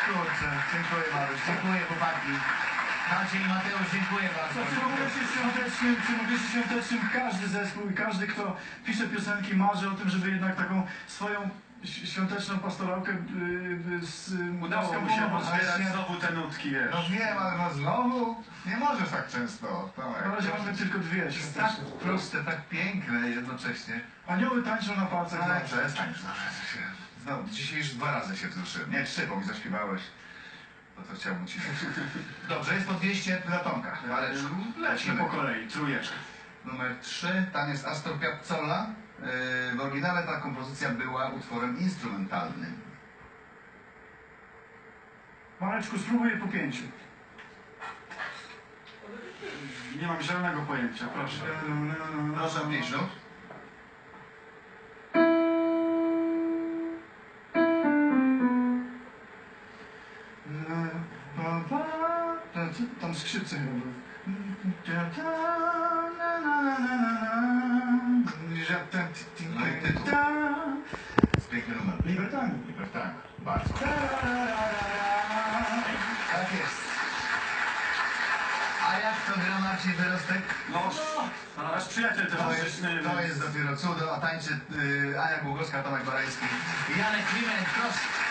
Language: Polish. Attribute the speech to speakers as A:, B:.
A: Kurczę, dziękuję Mariusz, dziękuję chłopaki. Maciej i Mateusz, dziękuję bardzo.
B: Przy okresie świątecznym każdy zespół i każdy, kto pisze piosenki, marzy o tym, żeby jednak taką swoją świąteczną pastorałkę
C: Udało mu się pozbierać znowu te nutki, wiesz.
D: No wiem, ale no znowu nie możesz tak często.
B: Na razie mamy tylko dwie
D: Jest tak
B: świąteczne.
D: proste, tak piękne jednocześnie.
B: Anioły tańczą na palcach.
D: Ale
B: zawsze.
D: przestań, znowu, dzisiaj już 2 razy się wzruszyłem. Nie, 3, bo mi zaśpiewałeś. To chciałbym ci. Dobrze, jest po 200 dla Tomka. Waleczku.
C: Lecimy po kolei, trójeczka.
D: Numer 3, tam jest Astor Piazzolla. W oryginale ta kompozycja była utworem instrumentalnym.
B: Mareczku, spróbuję po 5.
C: Nie mam zielonego pojęcia, proszę.
D: Proszę o 5 nut.
B: Tam skrzypce chyba były.
D: No i tytuł. Jest piękny numer.
B: Libertami.
D: Tak, bardzo. Tak jest.
A: A jak to gra Marcin Wyrostek?
C: No, nasz przyjaciel
D: To
C: towarzyszymy.
D: jest dopiero cudo, a tańczy Ania Głogowska, Tomek Barański.
A: Janek Kliment, proszę.